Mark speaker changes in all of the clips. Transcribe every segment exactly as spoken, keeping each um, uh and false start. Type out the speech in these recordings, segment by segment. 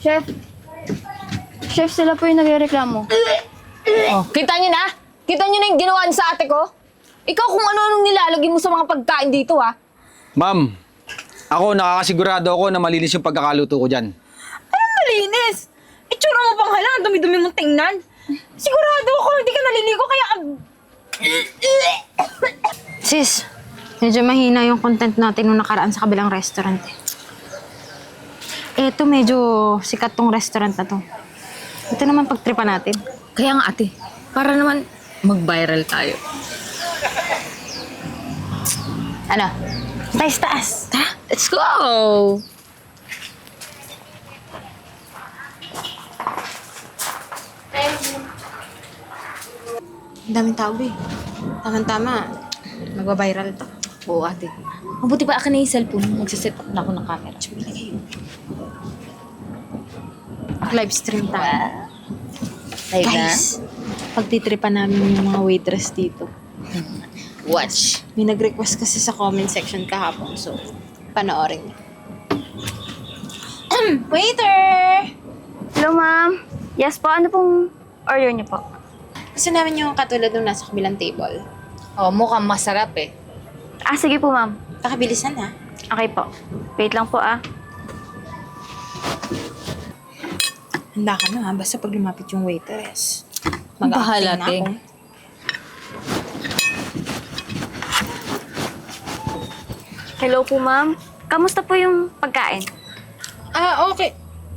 Speaker 1: Chef, Chef, sila po yung nagrereklamo.
Speaker 2: Oh, kita niyo na? Kita niyo na yung ginawa niyo sa ate ko? Ikaw kung ano-anong nilalagay mo sa mga pagkain dito, ha?
Speaker 3: Ma'am, ako nakakasigurado ako na malinis yung pagkakaluto ko dyan.
Speaker 4: Anong malinis? Itsura mo pang hala, ang dumi-dumi mong tingnan. Sigurado ako, hindi ka naliligo, kaya...
Speaker 5: Sis, medyo mahina yung content natin nung nakaraan sa kabilang restaurant eh. Eto, medyo sikat tong restaurant na to. Ito naman pagtripa natin.
Speaker 2: Kaya nga ate, para naman mag-viral tayo.
Speaker 5: Ano? Taas, taas.
Speaker 2: Tara, let's go!
Speaker 5: Ang daming tao eh. Tama-tama. Magwa-viral to.
Speaker 2: Oo ate. Mabuti pa akin na yung cellphone. Magsaset up na ako ng camera.
Speaker 5: Mag-live stream tayo.
Speaker 2: Live na?
Speaker 5: Guys, pagtitripa namin yung mga waitress dito.
Speaker 2: Watch.
Speaker 5: May nag-request kasi sa comment section kahapon. So, panoorin niyo. Waiter!
Speaker 1: Hello, ma'am. Yes po, ano pong order niyo po?
Speaker 5: Gusto namin yung katulad nung nasa kabilang table.
Speaker 2: Oh, mukhang masarap eh.
Speaker 1: Ah, sige po, ma'am.
Speaker 5: Pakibilisan ha.
Speaker 1: Okay po. Wait lang po, ah.
Speaker 5: Handa ka na ha. Basta pag lumapit yung waitress.
Speaker 2: Bahala,
Speaker 5: Mag-acting na
Speaker 2: ting.
Speaker 5: ako.
Speaker 1: Hello po, ma'am. Kamusta po yung pagkain?
Speaker 5: Ah, okay.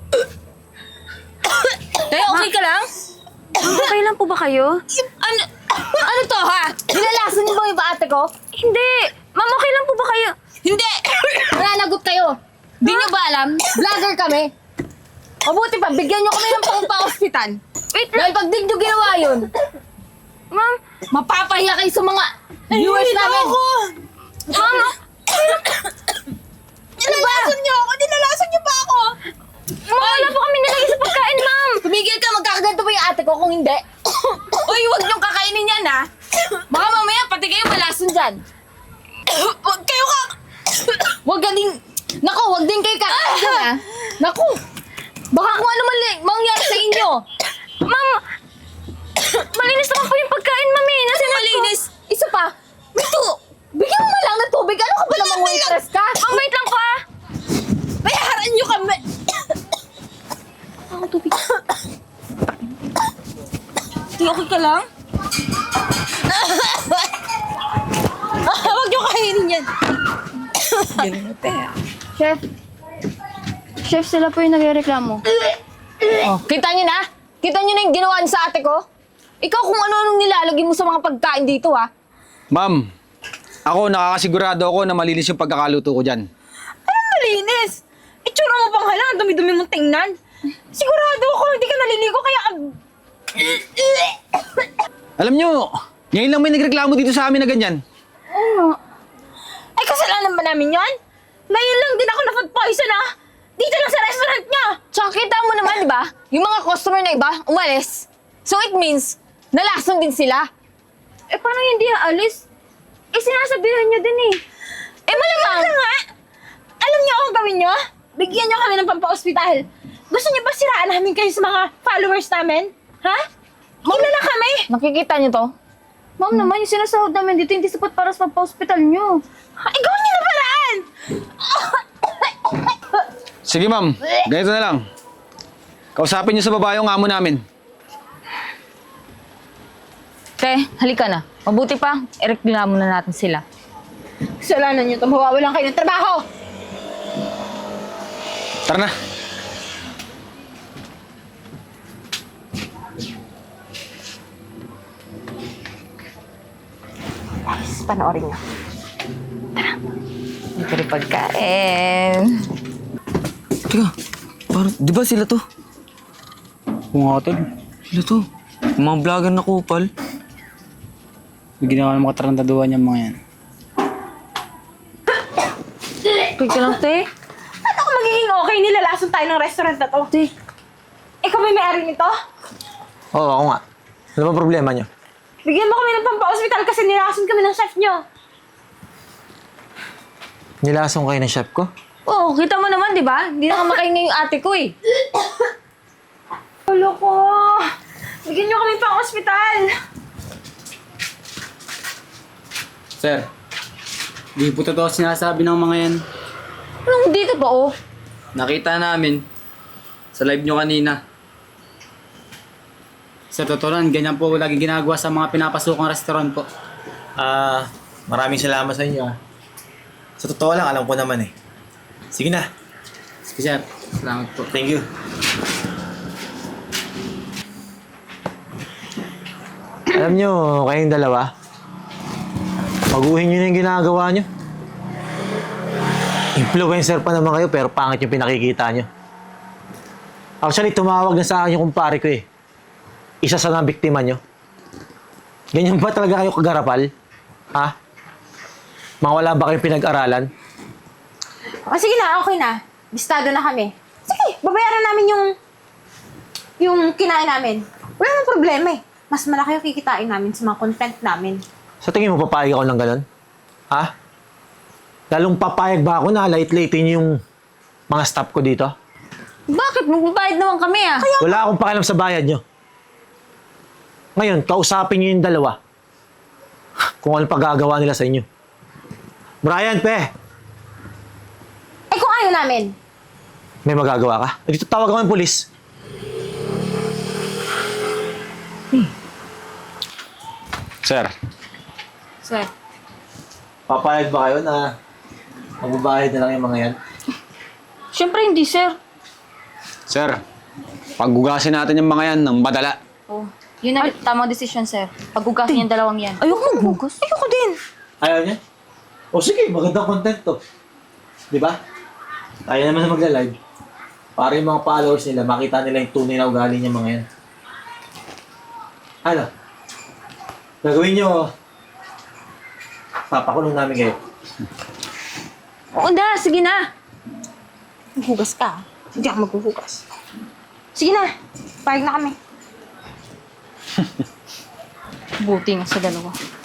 Speaker 2: Eh, okay ka lang?
Speaker 1: Ma'am, okay lang po ba kayo?
Speaker 2: Ano, ano to ha? Nilalasan niyo ba yung ate ko?
Speaker 1: Hindi! Ma'am, okay lang po ba kayo?
Speaker 2: Hindi! Nananagot kayo. Di niyo ba alam? Vlogger kami. Mabuti pa, bigyan niyo kami ng pang-pa-hospital.
Speaker 1: Wait
Speaker 2: Dahil pag di niyo ginawa yun,
Speaker 1: Ma'am,
Speaker 2: mapapahiya kayo sa mga viewers namin.
Speaker 1: ma'am,
Speaker 4: Nilalason niyo ako! Nilalason niyo pa ako!
Speaker 1: ma'am, wala po kami nilagay sa pagkain, ma'am.
Speaker 2: Tumigil ka, magkakaganto ba yung ate ko kung hindi? Uy, huwag niyong kakainin yan ha. Baka mamaya pati kayo malason dyan.
Speaker 4: Huwag kayo ka...
Speaker 2: Huwag ka din... Naku, huwag din kayo kakain dyan ha. Naku, baka kung ano man mangyari sa inyo.
Speaker 1: Ma'am, malinis naman po yung pagkain, ma'am, eh. Nasa
Speaker 2: Malinis. Isa pa. Ito, bigyan mo lang ng tubig. Ano ka ba namang waitress ka?
Speaker 1: Ma'am, wait lang po, ah.
Speaker 4: Bayaran niyo kami!
Speaker 1: Ang tubig.
Speaker 4: Di okay ka lang? Huwag niyo kainin yan.
Speaker 1: Chef, Chef, sila po yung nagrereklamo.
Speaker 2: Oh, kita niyo na? Kita niyo na yung ginawa niyo sa ate ko? Ikaw kung ano-anong nilalagay mo sa mga pagkain dito ha.
Speaker 3: Ma'am, ako nakakasigurado ako na malinis yung pagkakaluto ko dyan.
Speaker 4: Anong malinis? Itsura mo pang hala, ang dumi-dumi mong tingnan. Sigurado ako, hindi ka naliligo, kaya...
Speaker 3: Alam nyo, ngayon lang may nagreklamo dito sa amin na ganyan.
Speaker 4: Ay, kasalanan ba namin yon? Ngayon lang din ako na-food poison, ah! Dito lang sa restaurant niya!
Speaker 2: Tsaka kita mo naman, di ba? Yung mga customer na iba, umalis. So it means, nalason din sila.
Speaker 1: Eh, paano hindi aalis? Eh, sinasabihan niyo din, eh.
Speaker 2: Eh malamang!
Speaker 4: Ano nga? Alam niyo ang gawin niyo? Bigyan niyo kami ng pampa-ospital. Gusto niyo ba siraan namin kayo sa mga followers namin? Ha? Kilala kami!
Speaker 2: Nakikita niyo to?
Speaker 1: Ma'am naman, yung sinasahod namin dito, hindi sapat para sa pagpa-hospital niyo.
Speaker 4: Ha, ikaw niyo na paraan!
Speaker 3: Sige ma'am, ganito na lang. Kausapin niyo sa babae yung amo namin.
Speaker 2: Te, halika na. Mabuti pa, ireklamo na natin sila.
Speaker 4: Kasalanan niyo ito, mawawalan kayo ng trabaho!
Speaker 3: Tara na.
Speaker 5: Guys, panoorin niyo.
Speaker 2: Ito rin pagkain.
Speaker 6: Teka, parang, di ba sila to?
Speaker 7: Kung nga tol,
Speaker 6: Sila to. Yung mga vlogger na kupal.
Speaker 7: may ginawa ng mga tarantaduhan yung mga yan.
Speaker 2: Tuloy ka lang, te.
Speaker 4: Ano kung magiging okay, nilalason tayo ng restaurant na to?
Speaker 2: Te.
Speaker 4: Ikaw ba may-ari nito?
Speaker 6: Oo, ako nga. Ano ba problema nyo?
Speaker 4: Bigyan mo kami ng pampa-ospital kasi nilalason kami ng chef niyo.
Speaker 6: Nilasong kayo ng chef ko?
Speaker 1: Oo, kita mo naman, di ba? Hindi na kumakain yung ate ko eh.
Speaker 4: Ulo ko. Bigyan niyo kami pang ospital.
Speaker 7: Sir, di po totoo sinasabi ng mga yan.
Speaker 1: Anong hindi to ba, oh?
Speaker 7: Nakita namin sa live nyo kanina. Sa totoo lang, ganyan po lagi ginagawa sa mga pinapasukang restaurant po.
Speaker 8: Ah, maraming salamat sa inyo. ah. Sa totoo lang, alam ko naman eh. Sige na.
Speaker 7: Sige sir, salamat po.
Speaker 8: Thank you.
Speaker 9: Alam nyo, kayong dalawa, baguhin nyo na yung ginagawa nyo. Influencer pa naman kayo, pero pangit yung pinakikita nyo. Actually, tumawag na sa akin yung kumpare ko eh. Isa sa mga biktima nyo. Ganyan ba talaga kayo kagarapal? Ha? Mga wala ba kayong pinag-aralan?
Speaker 2: O sige na, okay na. Bistado na kami. Sige, babayaran namin yung yung kinain namin. Wala nang problema eh. Mas malaki yung kikitain namin sa mga content namin.
Speaker 9: Sa tingin mo, papayag ako ng ganun? Ha? Lalong papayag ba ako na late-late yung mga staff ko dito?
Speaker 1: Bakit? Magbabayad naman kami ah.
Speaker 9: Wala akong pakialam sa bayad nyo. Ngayon, kausapin nyo yung dalawa. Kung ano pagagawa nila sa inyo. Brian, pe!
Speaker 2: Eh kung ayaw namin,
Speaker 9: May magagawa ka? Eh, dito tawag ako ng polis.
Speaker 3: Sir,
Speaker 1: Sir.
Speaker 9: Papayag ba kayo na magbabayad na lang yung mga yan?
Speaker 1: Siyempre hindi, sir.
Speaker 3: sir, paggugasin natin yung mga yan ng madala.
Speaker 1: Oh, yun na tamang desisyon, sir. Paghugasin yung dalawang yan.
Speaker 2: ayoko maghugas. Ayoko din.
Speaker 9: Ayaw niya? O sige, magandang content to. Di ba? Tayo naman na magla-live. Para yung mga followers nila, makita nila yung tunay na ugali niya mga yan. Ano? Gagawin nyo, papakulong namin kayo.
Speaker 1: Oo na, sige na.
Speaker 2: Maghugas ka. Hindi ako maghuhugas. Sige na, payag na kami.
Speaker 1: Buti nga sa dalawa.